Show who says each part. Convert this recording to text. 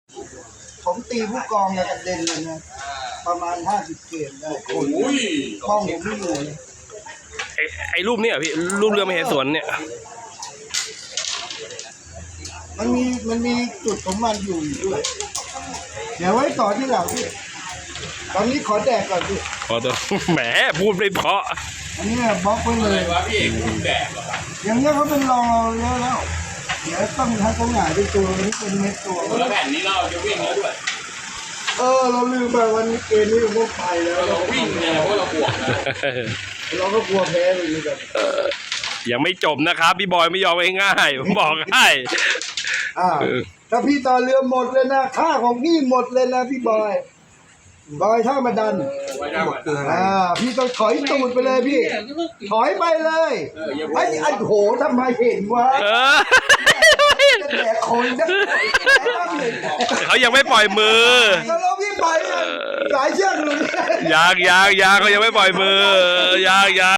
Speaker 1: ผมตีผู้กองเนี่ยกระเด็นเลยนะประมาณ50 เกมได้คนห้องผมไม่อยู่เลย
Speaker 2: ไอ้รูปเนี่ยพี่รูปเรือมเหสวนเนี่ย
Speaker 1: มันมีจุดของมันอยู่ด้วย เดี๋ยวไว้ต่อที่หลังพี่ตอนนี้ขอแดกก่อนพี่
Speaker 2: ขอตัวแหมพูดไม่เพราะ
Speaker 1: อันนี้บล็อกไว้เลยอย่างนี้เขาเป็นรองเราเยอะแล้วเดี๋ยวต้องทั้งตัวหงายเป็นตัวนี้เป็นเม็ดตัว
Speaker 3: แล้วแผ่นนี้เราจะวิ่งแล้วด้วย
Speaker 1: เราลืมไปวันนี้เกมนี้เราไปแล้ว
Speaker 3: เราวิ่งเนี่ยเพราะเราบวกนะ
Speaker 1: เราก็กลัวแพ้เลยนี่กัน
Speaker 2: ยังไม่จบนะครับพี่บอยไม่ยอมง่ายๆผมบอกให้
Speaker 1: ถ้าพี่ต่อเรือหมดเลยนะค่าของพี่หมดเลยนะพี่บอยท่ามาดันพี่ต้องถอยตูดไปเลยพี่ถอยไปเลยไอ้โหทำไมเห็นวะแต่คนจะ
Speaker 2: เขายังไม่ปล่อยมือ
Speaker 1: แล้วพี่ไปหลายเชือกเลย
Speaker 2: ยางเขายังไม่ปล่อยมือยาง